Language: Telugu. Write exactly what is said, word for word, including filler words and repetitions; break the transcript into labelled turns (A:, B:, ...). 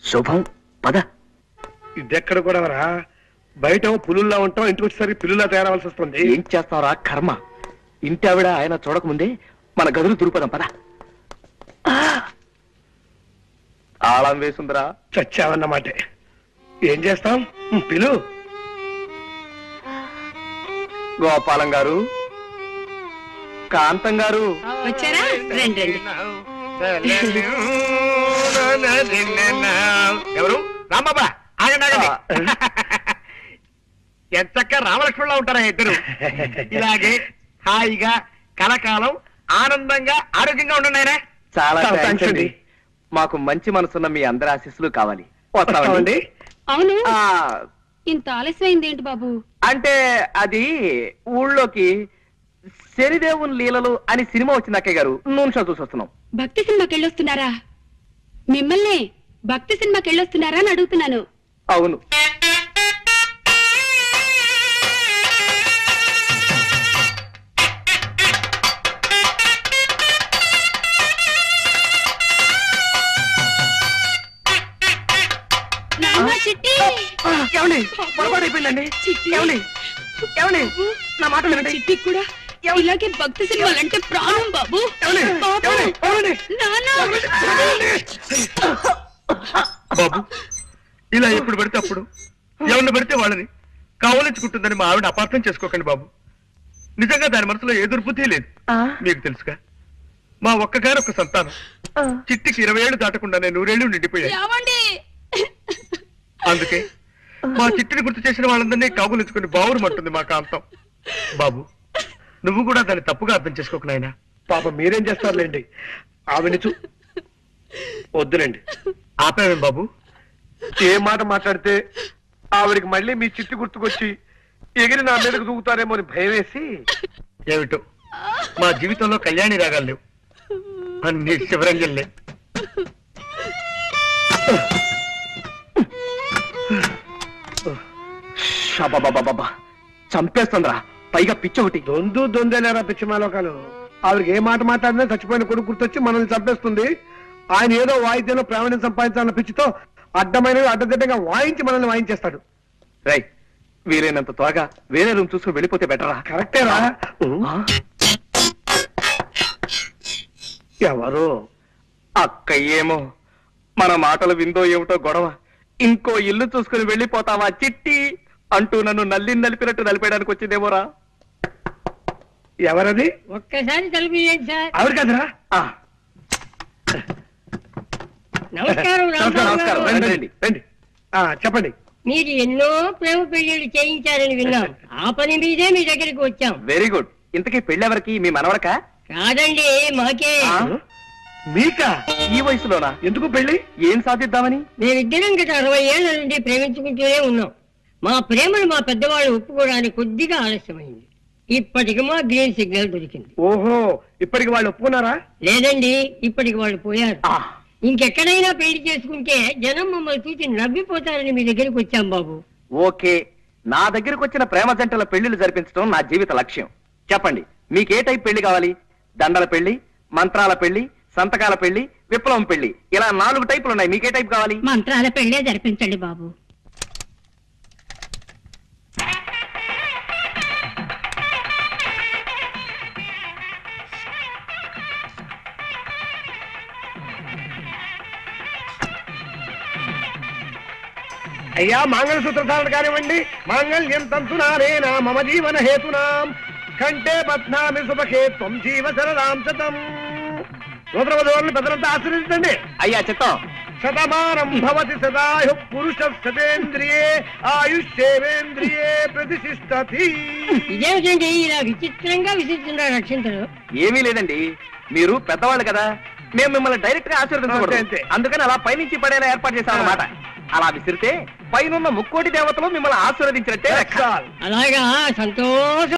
A: శుభం పద.
B: ఇదెక్కడ కూడా రా, బయట పులుల్లా ఉంటాం, ఇంటికి వచ్చేసరికి పిల్లులా తయారవలసి వస్తుంది.
A: ఏం చేస్తావురా కర్మ. ఇంటి ఆవిడ ఆయన చూడకముందే మన గదులు దురుపదాం పద. తాళం వేసుందిరా.
B: చచ్చావన్నమాట. ఏం చేస్తాం, పిలు.
A: గోపాలం గారు, కాంతం గారు
C: వచ్చారా? రండి రండి.
B: ఎవరు? రాంబాబా, ఆగండి ఆగండి. ఎంతక్క రామలక్ష్మణులా ఉంటారా ఇద్దరు. ఇలాగే హాయిగా కలకాలం ఆనందంగా ఆరోగ్యంగా ఉండండి ఆయన.
A: చాలా థాంక్స్ అండి. మాకు మంచి మనసున్న మీ అందరి ఆశీస్సులు కావాలి. వస్తామండి.
C: అవును, ఇంత ఆలస్యమైంది ఏంటి బాబు?
A: అంటే అది ఊళ్ళోకి శనిదేవుని లీలలు అని సినిమా వచ్చింది అక్కయ్య గారు, నూనె షో చూసి వస్తున్నాం.
C: భక్తి సినిమాకి వెళ్ళొస్తున్నారా? మిమ్మల్ని భక్తి సినిమాకి వెళ్ళొస్తున్నారా అని అడుగుతున్నాను.
A: అవును. ఏమండి పొరపాటు అయిపోయిందండి. ఏమండి ఏమండి నా మాట వినండి.
C: చిట్టి కూడా ఇలాగే భక్తి సినిమాలంటే ప్రాణం బాబు.
B: బాబు, ఇలా ఎప్పుడు పడితే అప్పుడు ఎవరిని పడితే వాళ్ళని కావలించుకుంటుందని మా ఆవిడ అపార్థం చేసుకోకండి బాబు. నిజంగా దాని మనసులో ఏ దుర్బుద్ధి లేదు. మీకు తెలుసుగా, మా ఒక్కగారొక్క సంతానం చిట్టికి ఇరవై ఏళ్ళు దాటకుండానే నూరేళ్లు నిండిపోయాయి. అందుకే మా చిట్టిని గుర్తు చేసిన వాళ్ళందరినీ కాగులించుకుని బావురుమంటుంది మా కాంతం. బాబు, నువ్వు కూడా దాన్ని తప్పుగా అర్థం చేసుకోకు నాయనా. పాప మీరేం చేస్తారులేండి, ఆవిడ చూ వద్దులేండి. ఆపేవేం బాబు? ఏ మాట మాట్లాడితే ఆవిడికి మళ్ళీ మీ చిట్టి గుర్తుకొచ్చి ఎగిరి నా మీదకు దూకుతారేమో అని భయం వేసి. ఏమిటో మా జీవితంలో కళ్యాణి రాగాలు లేవు, అన్ని శివరంజన్లే.
A: బాబా చంపేస్తుందిరా, పైగా పిచ్చి ఒకటి.
B: దొందు దొందేలేరా పిచ్చి మాలోకాలు. ఆవిడకి ఏ మాట మాట్లాడినా చచ్చిపోయిన కొడుకు గుర్తొచ్చి మనల్ని చంపేస్తుంది. ఆయన ఏదో వాయిద్యంలో ప్రావీణ్యం సంపాదించాలన్న పిచ్చితో అడ్డమైనవి అడ్డదిడ్డంగా వాయించి మనల్ని వాయించేస్తాడు.
A: రై, వీలైనంత త్వరగా వేరే రూమ్ చూసుకుని వెళ్ళిపోతే బెటరా?
B: కరెక్టేరా. ఎవరు?
A: అక్క ఏమో మన మాటలు విందో ఏమిటో గొడవ. ఇంకో ఇల్లు చూసుకుని వెళ్ళిపోతావా చిట్టి అంటూ నన్ను నల్లి నలిపినట్టు నలిపేయడానికి వచ్చిందేమోరా.
B: ఎవరది?
C: ఒక్కసారి తలుపులేండి సార్.
B: ఆవిడ కదరా?
C: నమస్కారం.
A: నమస్కారం, రండి రండి రండి.
B: చెప్పండి.
C: మీరు ఎన్నో ప్రేమ పెళ్లిళ్ళు చేయించారని విన్నాం, ఆ పని మీదే మీ దగ్గరికి వచ్చాం.
A: Very good. ఇంతకీ పెళ్ళెవరికి? మీ మనవడకా?
C: కాదండి, మాకే.
B: మీకా?
A: ఈ వయసులోనా?
B: ఎందుకు పెళ్లి?
A: ఏం సాధిద్దామని?
C: మేమిద్దరం గత అరవై ఏళ్ల నుండి ప్రేమించుకుంటూనే ఉన్నాం. మా ప్రేమను మా పెద్దవాళ్ళు ఒప్పుకోవడానికి కొద్దిగా ఆలస్యమైంది. ఇప్పటికి మా గ్రీన్ సిగ్నల్ దొరికింది.
B: ఓహో, ఇప్పటికి వాళ్ళు ఒప్పుకున్నారా?
C: లేదండి, ఇప్పటికి వాళ్ళు పోయారు. ఇంకెక్కడైనా పెళ్లి చేసుకుంటే జనం మమ్మల్ని చూసి నవ్విపోతారని మీ దగ్గరికి వచ్చాం బాబు.
A: ఓకే, నా దగ్గరకు వచ్చిన ప్రేమ జంటల పెళ్లిళ్ళు జరిపించడం నా జీవిత లక్ష్యం. చెప్పండి, మీకే టైప్ పెళ్లి కావాలి? దండల పెళ్లి, మంత్రాల పెళ్లి, సంతకాల పెళ్లి, విప్లవం పెళ్లి, ఇలా నాలుగు టైపులు ఉన్నాయి. మీకే టైప్ కావాలి?
C: మంత్రాల పెళ్లే జరిపించండి బాబు.
B: అయ్యా, మాంగళ్యసూత్ర ధారణ కానివ్వండి. మాంగళ్యం తంతునారేనా మమ జీవన హేతునాం కంటే బధ్నామి సుభకే త్వం జీవ శరదాం శతం. నూతనవధువులను పెద్దలంతా ఆశీర్వదించండి.
A: అయ్యా చిత్తం.
B: శతమానం భవతి సదాయు పురుష శతేంద్రియే ఆయుష్యేవేంద్రియే ప్రతిష్ఠతి.
C: ఇదేమిటండి ఇలా విచిత్రంగా విసిస్తున్నారు రక్షించరు?
A: ఏమీ లేదండి, మీరు పెద్దవాళ్ళు కదా, మేము మిమ్మల్ని డైరెక్ట్ గా ఆశీర్వదించకూడదు. అందుకని అలా పైనుంచి పడేలా ఏర్పాటు చేశాం అన్నమాట. అలా విసిరితే పైనున్న ముక్కోటి దేవతలు మిమ్మల్ని ఆశీర్వదించినట్టే.
C: అలాగా, సంతోషం.